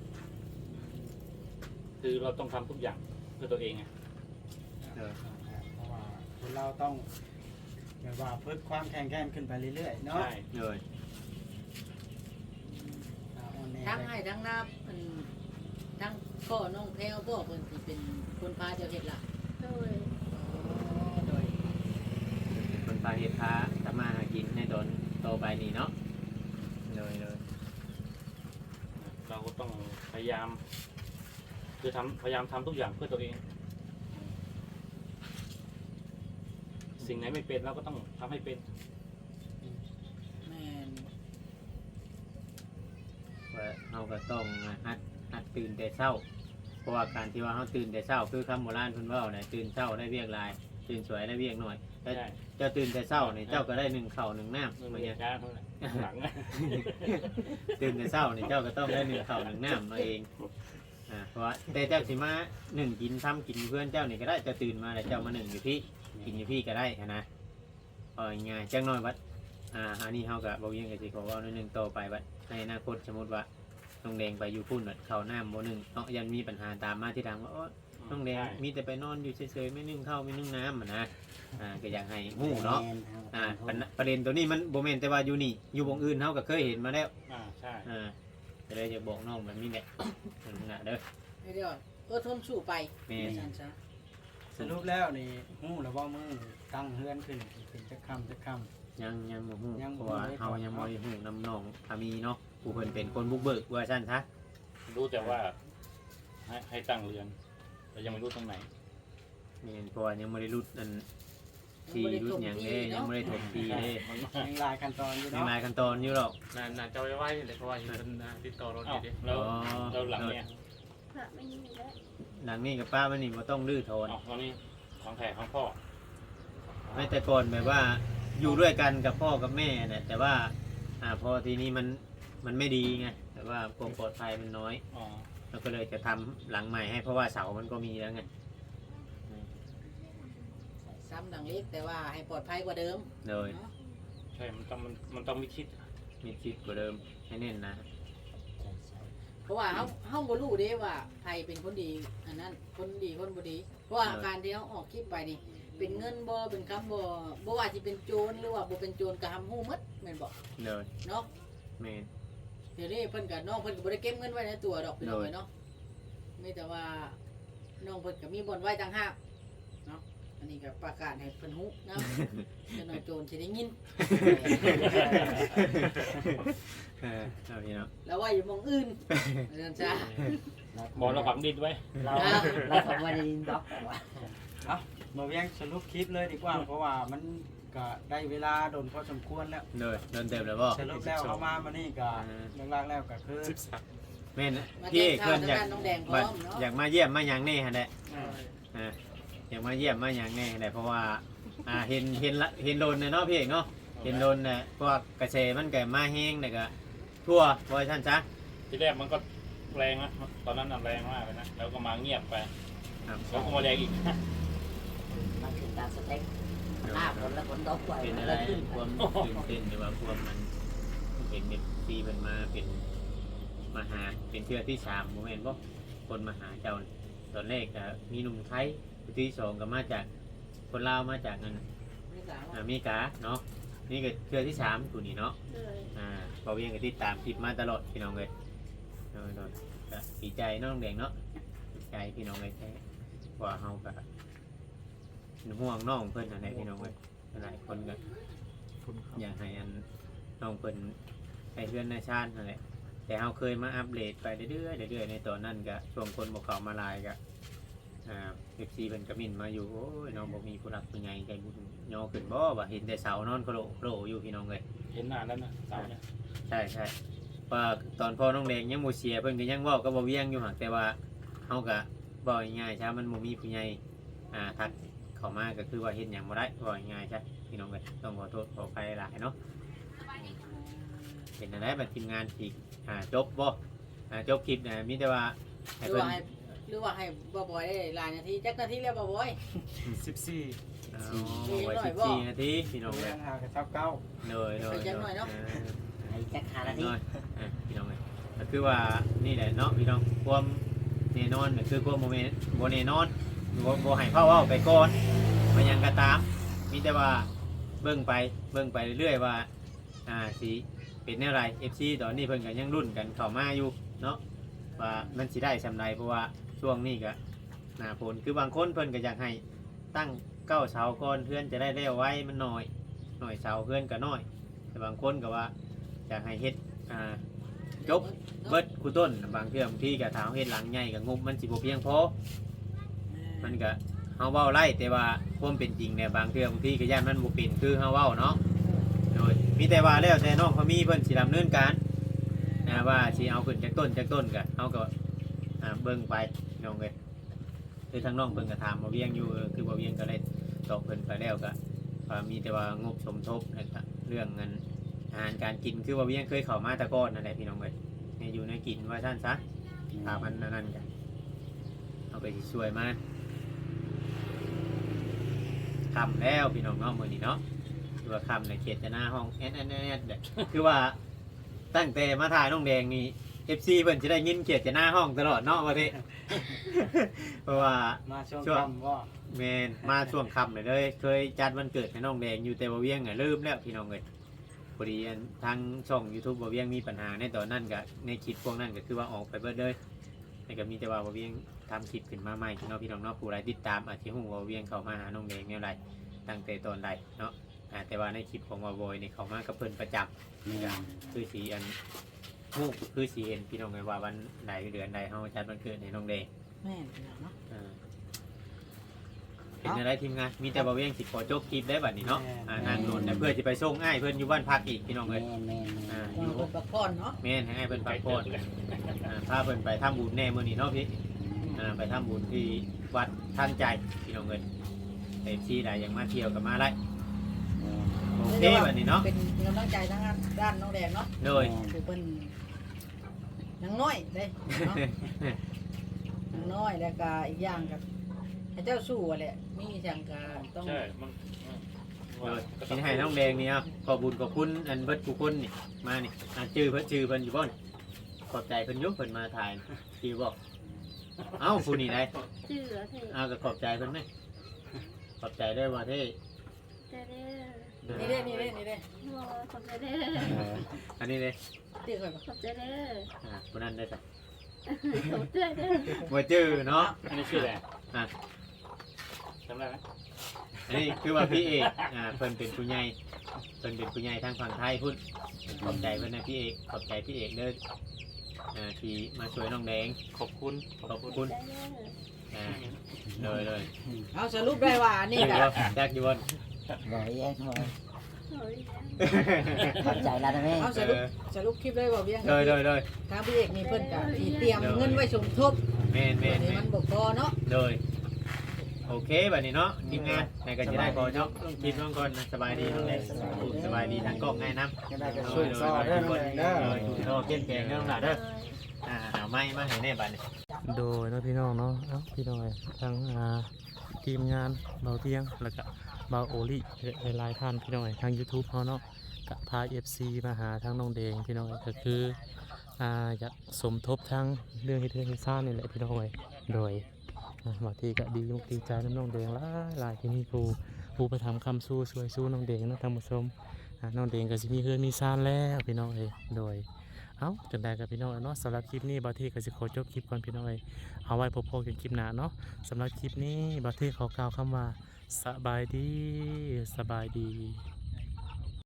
[SPEAKER 4] คือเราต้องทำทุกอย่างเพื่อตัวเองไง
[SPEAKER 1] เออ
[SPEAKER 5] เพราะว่าคนเราต้องแบบว่าเพิ่มความแข็งแกร่งขึ้นไปเรื่อยๆเนาะ
[SPEAKER 4] ใช่
[SPEAKER 1] โดย
[SPEAKER 5] อ่าอ่อนแอ
[SPEAKER 2] ทั้งให้ทั้งน้าอันทั้งพ่อน้องแพรวพ่อเพิ่นสิเป็นคนพาเจ้าเฮ็ดล่ะ
[SPEAKER 6] เลย
[SPEAKER 2] โดย
[SPEAKER 1] คนพาเฮ็ดพาทำมาหากินในตอนโตไปนี่เนาะโดยโดย
[SPEAKER 4] เราก็ต้องพยายาม คือทำพยายามทำทุกอย่างเพื่อตัวเอง สิ่งไหนไม่เป็นเราก็ต้องทำให้เป็น
[SPEAKER 2] แม่น
[SPEAKER 1] ว่าเฮาก็ต้องหัดหัดตื่นแต่เช้า เพราะว่าการที่ว่าเฮาตื่นแต่เช้าคือคำโบราณเพิ่นเว้าน่ะตื่นเช้าได้เวียกหลาย ตื่นสวยได้เวียกน้อยแต่
[SPEAKER 4] ใช่
[SPEAKER 1] เจ้าตื่นแต่เช้านี่เจ้าก็ได้หนึ่งข้าวหนึ่งน้ำ
[SPEAKER 4] ไม่
[SPEAKER 1] เหมื
[SPEAKER 4] มี
[SPEAKER 1] อนกัน
[SPEAKER 4] การเท่าไหร่หลัง
[SPEAKER 1] ตื่นแต่เช้านี่เจ้าก็ต้องได้หนึ่งข้าวหนึ่งน้ำมาเองอ่าเพราะว่าแต่เจ้าสิมาหนึ่งกินทำกินเพื่อนเจ้านี่ก็ได้เจะตื่นมาแล้วเจ้ามาหนึ่งอยู่พี่กินอยู่พี่ก็ได้นะเอาง่ายๆจังน้อยวัดอ่าอันนี้เฮากับบ่เวียงก็สิขอเว้าหน่อยหนึงต่อไปวัดในอนาคตสมมุติว่าน้องแดงไปอยู่พุ่นวัดข้าวน้ำบ่หนึ่งเนาะยันมีปัญหาตามมาที่ทางว่าโอ๊ยน้องแดงมีแต่ไปนอนอยู่เฉยๆไม่นึ่งข้าวไม่นึ่งน้ำอะนะอ่าก็อยากให้ฮู้เนาะ
[SPEAKER 7] แม่อ
[SPEAKER 1] อ่า
[SPEAKER 7] ต
[SPEAKER 1] ประ
[SPEAKER 7] ม
[SPEAKER 1] เด็นประเด็นตัวนี้มันโบเมนแต่ว่าอยู่นี่อยู่วงอื่นเขาก็เคยเห็นมาแล้ว
[SPEAKER 4] อ่าใช่
[SPEAKER 1] อ่าจะได้จะบอกน้องแบบนี้แหละนั่นนะเด้อ
[SPEAKER 2] เดี๋ยวอดทนสู้ไป
[SPEAKER 1] แม่น
[SPEAKER 2] ซั่นซะ
[SPEAKER 5] สรุปแล้วนี่ฮู้แล้วบ่มือตั้งเฮือนขึ้นเป็นจักค่ำจักค่ำ
[SPEAKER 1] ยังยังบ่ฮู้
[SPEAKER 5] ยังบ่
[SPEAKER 1] เพราะว่า
[SPEAKER 5] ได้
[SPEAKER 1] เฮา
[SPEAKER 5] ก่อน
[SPEAKER 1] ยังบ่ได้ฮู้นํน้องพามีเนาะผู้เพิ่นเป็นคนบุกเบิกว่าซั่นซะ
[SPEAKER 4] รู้แต่ว่าให้ให้ตั้งเรือน แต่ยังไม่รู้ตรงไหน
[SPEAKER 1] แม่นเพราะว่ายังบ่ได้รุดอันที่รุดหยังเด้ยังบ่ได้ถมทีเด้
[SPEAKER 4] มัน
[SPEAKER 5] ยังหลายขั้นตอนอยู่
[SPEAKER 1] ยัง
[SPEAKER 5] เนาะ
[SPEAKER 1] หลายขั้นตอนอยู่หรอก
[SPEAKER 3] น่าน่าจะไว้ไว้เลยเพราะว่าอยู่เป็นอ่าติดต่อรถอ
[SPEAKER 4] เอ้า
[SPEAKER 3] ยู่ดิ
[SPEAKER 4] แล้ว
[SPEAKER 1] อ๋อ
[SPEAKER 4] แล้วหลังเนี่ย
[SPEAKER 6] พระไม่มีแล้ว
[SPEAKER 1] หลังนี้กับป้ามันนี่บ่ต้องรื้อโทน
[SPEAKER 4] เอ้าตอนนี้ของแท้ของพ่อ
[SPEAKER 1] ไม่แต่ก่อนแบบว่าอยู่ด้วยกันกับพ่อกับแม่เนี่ยแต่ว่าอ่าพอทีนี้มันมันไม่ดีไงแต่ว่าความปลอดภัยมันน้อย
[SPEAKER 4] อ๋อ
[SPEAKER 1] เราก็เลยจะทำหลังใหม่ให้เพราะว่าเสามันก็มีแล้วไง
[SPEAKER 2] ซ้ำดังเล็กแต่ว่าให้ปลอดภัยกว่าเดิม
[SPEAKER 1] โดย
[SPEAKER 2] เนาะ
[SPEAKER 4] ใช่มันต้องมันมันต้องมีคิด
[SPEAKER 1] มีคิดกว่าเดิมให้แน่นนะ
[SPEAKER 2] เพราะว่าเฮาเฮาบ่รู้เด้ว่าใครเป็นคนดีอันนั้นคนดีคนบ่ดี เพราะว่าการที่เฮาออกคลิปไปนี่ เป็นเงินบ่เป็นคำบ่บ่ว่าสิเป็นโจรหรือว่าบ่เป็นโจรก็ทำฮู้หมดแม่นบ่
[SPEAKER 1] โดย
[SPEAKER 2] เนาะ
[SPEAKER 1] เมน
[SPEAKER 2] เดี๋ยวนี้เพิ่นก็น้องเพิ่นก็บ่ได้เก็บเงินไว้ในตัวดอกพี่น้อง
[SPEAKER 1] โดย
[SPEAKER 2] เอ้ยเนาะมีแต่ว่าน้องเพิ่นก็มีบ่อนไว้ต่างหากเนาะอันนี้ก็ประกาศให้เพิ่นฮู้นะ เดี๋ยวน้อยโจรสิได้ยิน
[SPEAKER 1] เออเอาพี่เนาะ
[SPEAKER 2] แล้วว่าอยู่หมองอื่นนั่นจ้ะ
[SPEAKER 4] บอกเราฝังดินไว้
[SPEAKER 7] เราเราทำมาในดินบล็อกแต่ว่า
[SPEAKER 5] เอามาเวียงสรุปคลิปเลยดีกว่า เพราะว่ามันก็ได้เวลาโดนพอสมควรแล้ว
[SPEAKER 1] โดยโดนเต็มแล้วบ่
[SPEAKER 5] สรุปแล้วเอามามานี่ก็
[SPEAKER 1] อ่า
[SPEAKER 5] เรื่องแรกแล้วก็คือ
[SPEAKER 3] สิบสาม
[SPEAKER 1] แม่น
[SPEAKER 2] มา
[SPEAKER 1] พี่
[SPEAKER 2] แจ้ง
[SPEAKER 1] เพิ่
[SPEAKER 2] ข่าวน ทาง
[SPEAKER 1] อยาก
[SPEAKER 2] ด้านน้องแดงพร้
[SPEAKER 1] บั
[SPEAKER 2] อ
[SPEAKER 1] ด
[SPEAKER 2] มเนาะ
[SPEAKER 1] อยากมาเยี่ยมมาหยังแน่หั่นแหละ
[SPEAKER 5] อ่า
[SPEAKER 1] อ่าอยากมาเยี่ยมมาหยังแน่หั่นแหละเพราะว่าอ่าเห็นเห็นละเห็นโดนน่ะเนาะพี่เอกเนาะเห็นโดนน่ะพวกกระแสมันก็มาแห้งแล้วก็ทั่วบ่ว่าซั่นซะ
[SPEAKER 4] ที่แรกมันก็แรงนะตอนนั้นน่ะแรงมากเลยนะแล้วก็มาเงียบไป
[SPEAKER 1] ครับ
[SPEAKER 4] แล้วก็มาแรงอีก
[SPEAKER 7] มันคือตามสเต็ปหน้าฝนแล้วฝนตกไว้
[SPEAKER 1] เป็น
[SPEAKER 7] มัน
[SPEAKER 1] อะไร
[SPEAKER 7] ก็ขึ้น
[SPEAKER 1] ความตื่นเต้นหรือว่าความมันเห็นเด็กตีมันมาเป็นมาหาเป็นเทื่อที่สามโมเมนต์บ่คนมาหาเจ้าตอนแรกก็มีหนุ่มไทยที่สองก็มาจากคนลาวมาจากนั่น
[SPEAKER 2] ไม่สาว
[SPEAKER 1] อเมริกาเนาะนี่ก็เทื่อที่สามตัวนี้เนาะ
[SPEAKER 6] เลย
[SPEAKER 1] อ่าพอเวียงก็ติดตามคลิปมาตลอดพี่น้องเลยโดยโดยก็ดีใจเน้องแดงเนาะดีใจพี่น้องเลยแท้ว่าเฮาก็เป็นห่วงน้องเพิ่นอะไรพี่น้องเลยหลายคนก็ อยากให้อันน้องเพิ่นให้เพื่อนในชาตินั่นแหละแต่เราเคยมาอัปเดตไปเรื่อยๆเรื่อยๆในตอนนั้นก็ช่วงคนบอกเขามาหลายก็อ่าเอฟซีเพิ่นก็มินมาอยู่โอ้ยน้องบอกมีผู้รักเป็นไงใจบุญย่อขึ้นบ่ว่าเห็นแต่เสานอนโคโลโคโลอยู่พี่น้องเลย
[SPEAKER 4] เห็นนานแล้วนะเสาเนี่ย
[SPEAKER 1] ใช่ใช่ว่าตอนพ่อน้องแดงยังบ่เสียเพิ่นก็ยังเว้าก็บ่เวียงอยู่หักแต่ว่าเฮาก็บ่ง่ายๆใช่มันบ่มีผู้ใหญ่อ่าทักเข้ามาก็คือว่าเฮ็ดหยังบ่ได้บ่ง่ายๆใช่พี่น้องเลยต้องขอโทษขออภัยหลายเนาะ เป็นอะไรแบบทีมงานอีกอ่าจบบ่อ่าจบคลิปนะมีแต่ว่า
[SPEAKER 2] ห
[SPEAKER 1] ให้
[SPEAKER 2] รือ
[SPEAKER 1] เพิ่น
[SPEAKER 2] ว่าให้หรือว่าให้บ่บ่อยได้หลายนาทีจักนาทีแล้วบ่บ่อย
[SPEAKER 3] สิบสี่
[SPEAKER 1] เอาไว้สิบสี่นาทีพี่น้องเล
[SPEAKER 5] เรื่
[SPEAKER 1] ย
[SPEAKER 5] องหากระชับเก้า
[SPEAKER 1] เลยเลย
[SPEAKER 7] ไอ้แจ็คฮา
[SPEAKER 1] เล
[SPEAKER 7] ราย ที
[SPEAKER 1] อ่าพี่น้องเลยก็คือว่านี่แหละเนาะพี่น้องความแน่นอนก็คือความโมเมนต์โมแน่นอนบ่บ่ให้เผาเว้าไปก่อนมันยังก็ตาม มีแต่ว่าเบิ่งไปเบิ่งไปเรื่อยๆว่าอ่าสิเป็นแนวไร เอฟ ซี ตอนนี้เพิ่นก็ยังรุ่นกันเข้ามาอยู่เนาะว่ามันสิได้สำไรเพราะว่าช่วงนี้ก็หน้าฝนคือบางคนเพิ่นก็อยากให้ตั้งเก้าเสาก่อนเพื่อนจะได้เร็วไว้มันน้อยหน่อยเสาเพื่อนก็น้อย แต่บางคนก็ว่าอยากให้เฮ็ดอ่าจบเบิดคูต้นบางเทื่อบางทีก็ถามเฮ็ดหลังใหญ่ก็งบมันสิบ่เพียงพอมันก็เฮาเว้าไล่แต่ว่าความเป็นจริงเนี่ยบางเทื่อบางทีก็ย่านมันบ่เป็นคือเฮาเว้าเนาะโดยมีแต่ว่าแล้วแต่น้องเขามีเพิ่นสิดำเนินการนะว่าสิเอาขึ้นจากต้นจากต้นก็เฮาก็อ่าเบิ่งไปน้องเอ้ยคือทางน้องเพิ่นก็ถามบ่เวียงอยู่เออคือบ่เวียงก็เลยตอบเพิ่นไปแล้วก็ว่ามีแต่ว่างบสมทบนะครับเรื่องเงินอาหารการกินคือบ่เวียงเคยเข้ามาแตะก่อนนั่นแหละพี่น้องเอ้ยให้อยู่ในกินว่าซั่นซะถ้ามันนั่นนั่นกันเอาไปสิช่วยมาคำแล้วพี่น้องเนาะมื้อนี้เนาะคือว่าคำในเขตจะหน้าห้องแอนแอนแอนเด้อคือว่าตั้งแต่มาถ่ายน้องแดงนี่ เอฟ ซี เพิ่นจะได้ยินเขียดจะหน้าห้องตลอดเนาะว่าที่ เพราะว่า
[SPEAKER 5] มาช่วง
[SPEAKER 1] ช่วง
[SPEAKER 5] ค่ำว่า
[SPEAKER 1] แมนมาช่วงค่ำเลยเลยเคยจัดวันเกิดให้น้องแดงอยู่แต่บ่เวียงอ่ะลืมแล้วพี่น้องเอ้ยพอดีอันทางช่อง YouTube บ่เวียงมีปัญหาในตอนนั้นก็ในคลิปพวกนั้นก็คือว่าออกไปเบิดเลยแต่ก็มีแต่ว่าบ่เวียงทำคลิปขึ้นมาใหม่พี่น้องพี่น้องเนาะผู้ใดติดตามอาจจะฮู้ว่าเวียงเข้ามาหาน้องแดงแนวใดตั้งแต่ตอนใดเนาะอ่าแต่ว่าในคลิปของวาโวยนี่เขามากับเพิ่นประจำ
[SPEAKER 7] แม่น
[SPEAKER 1] คือสีอันฮู้คือสีเห็นพี่น้องไงว่าวันใดเดือนใดเฮาจัดวันเกิดให้น้องแดง
[SPEAKER 2] แม่นพี่น้องเนาะ
[SPEAKER 1] อ่าเป็นอะไรทีมงานมีแต่บ่เวียงสิขอจบคลิปได้บัดนี้เนาะอ่านางโดนแต่เพื่อสิไปส่งอ้ายเพิ่นอยู่บ้านพักอีกพี่น้อง
[SPEAKER 7] แม่
[SPEAKER 1] เอ้ย
[SPEAKER 7] นแม่นแม่น
[SPEAKER 1] อ่า
[SPEAKER 2] ว่า
[SPEAKER 1] อยู่
[SPEAKER 2] เพิ่นพักผ่อนเนาะ
[SPEAKER 1] แม่นให้อ้ายเพิ่นพักผ่อนอ่าพาเพิ่นไปทำบุญแน่มื้อนี้เนาะพี่อ่าไปทำบุญที่วัดท่านใจพี่น้องเอ้ยเต็มที่ได้ยังมาเที่ยวกับมาได้โอเคบัดนี้เนาะ
[SPEAKER 2] เป็นกำลังใจทางด้านน้องแดงเนาะ
[SPEAKER 1] โดย
[SPEAKER 2] คือเพิ่นยังน้อยเด้เนาะยังน้อยแล้วก็อีกอย่างก็ให้เจ้าสู้อะแหละมีจังก็ต้อง
[SPEAKER 4] ใช่มัน
[SPEAKER 1] โดยสิให้น้องแดงนี่ครับขอบุญขอบคุณอันเบิดทุกคนนี่มานี่อ่าชื่อเพิ่นชื่อเพิ่นอยู่บ่นี่ขอบใจเพิ่นอยุเพิ่นมาถ่ายชื่อบ่เอ้าผู้นี่ได้
[SPEAKER 6] ชื่อเหรอเท่
[SPEAKER 1] เอาก็ขอบใจเพิ่นไหมขอบใจด้วยว่าที่
[SPEAKER 6] เด้อเด้อ
[SPEAKER 2] นี่เด้นี่เด้นี่เด้
[SPEAKER 6] โอ้ขอบใจเด้อ
[SPEAKER 1] อันนี้เลย
[SPEAKER 2] ตีค่อยบ่
[SPEAKER 6] ขอบใจเด้อ
[SPEAKER 1] อ่าคนนั้นได้จ้ะ
[SPEAKER 6] ขอบใจเด้อ
[SPEAKER 1] บ่จื้อเนาะ
[SPEAKER 4] อันนี้ชื่ออะไร
[SPEAKER 1] อ่ะ
[SPEAKER 4] จำได้ไหม
[SPEAKER 1] อันนี้คือว่าพี่เอกอ่าเพิ่นเป็นผู้ใหญ่เพิ่นเป็นผู้ใหญ่ทางฝั่งไทยพุ่นขอบใจเพิ่นนะพี่เอกขอบใจพี่เอกเด้ออ่าที่มาช่วยน้องแดง
[SPEAKER 4] ขอบคุณ
[SPEAKER 1] ขอบคุณ
[SPEAKER 6] ใจเด้อ
[SPEAKER 1] อ่าเลยเลย
[SPEAKER 2] เอาสรุปได้ว่านี่ก็
[SPEAKER 1] แจกอยู่บน
[SPEAKER 7] บ่แย่งบ่
[SPEAKER 6] โอ้ย
[SPEAKER 7] ขอบใจแล้วนะแม่
[SPEAKER 2] เอาสรุปสรุปคลิปได้ว่าเวียง
[SPEAKER 1] เลยเลยเลย
[SPEAKER 2] ทางพี่เอกนี่เพิ่นก็สิเตรียมเงินไว้สมทบ
[SPEAKER 1] แม่นแม่
[SPEAKER 2] อั
[SPEAKER 1] น
[SPEAKER 2] นนี้
[SPEAKER 1] แม่
[SPEAKER 2] มัน นบ่พอเนาะ
[SPEAKER 1] เลยโอเคแบบนี้เนาะทีมงานในก็จะได้ขอจบคลิปน้องก่อนนะสบายดีน้องแดงสบายดีทางกล้องง่ายน้ำ
[SPEAKER 5] จะได้ก็
[SPEAKER 1] โด
[SPEAKER 5] สู้
[SPEAKER 1] ยโดย
[SPEAKER 5] ซอ
[SPEAKER 1] โด
[SPEAKER 5] เด้อย
[SPEAKER 1] ทุก
[SPEAKER 5] น้อง
[SPEAKER 1] คน
[SPEAKER 5] แดงเด้อ
[SPEAKER 1] โดยทุกท่อเข้มแข็งเด้อหล่ะเด้ออ่าเอาไม้มาให้แน่บัดนี้
[SPEAKER 3] โดยเนาะพี่น้องเนาะเอ้าพี่น้องเอ้ยทั้งอ่าทีมงานเบาเตียงแล้วก็เบาโอลิหลายๆท่านพี่น้องเอ้ยทาง YouTube เฮาเนาะก็พา เอฟ ซี มาหาทางน้องแดงพี่น้องเอ้ยก็คืออ่าอยากสมทบทางเรื่องเฮ็ดเรือนเฮ็ดซ่านนี่แหละพี่น้องเอ้ยโดยอ่าบางทีก็ดีมุกดีใจน้ำน้องแดงหลายหลายที่นี่ครูครูไปทำคำสู้ช่วยสู้น้องแดงเนาะท่านผู้ชมอ่าน้องแดงก็สิมีเฮือนมีซ่านแล้วพี่น้องเอ้ยโดยเอ้าจังได๋กับพี่น้องเนาะสำหรับคลิปนี้บางทีก็สิขอจบคลิปก่อนพี่น้องเอ้ยเอาไว้พบกันคลิปหน้าเนาะสำหรับคลิปนี้บางทีขอกล่าวคำว่าสบายดีสบายดี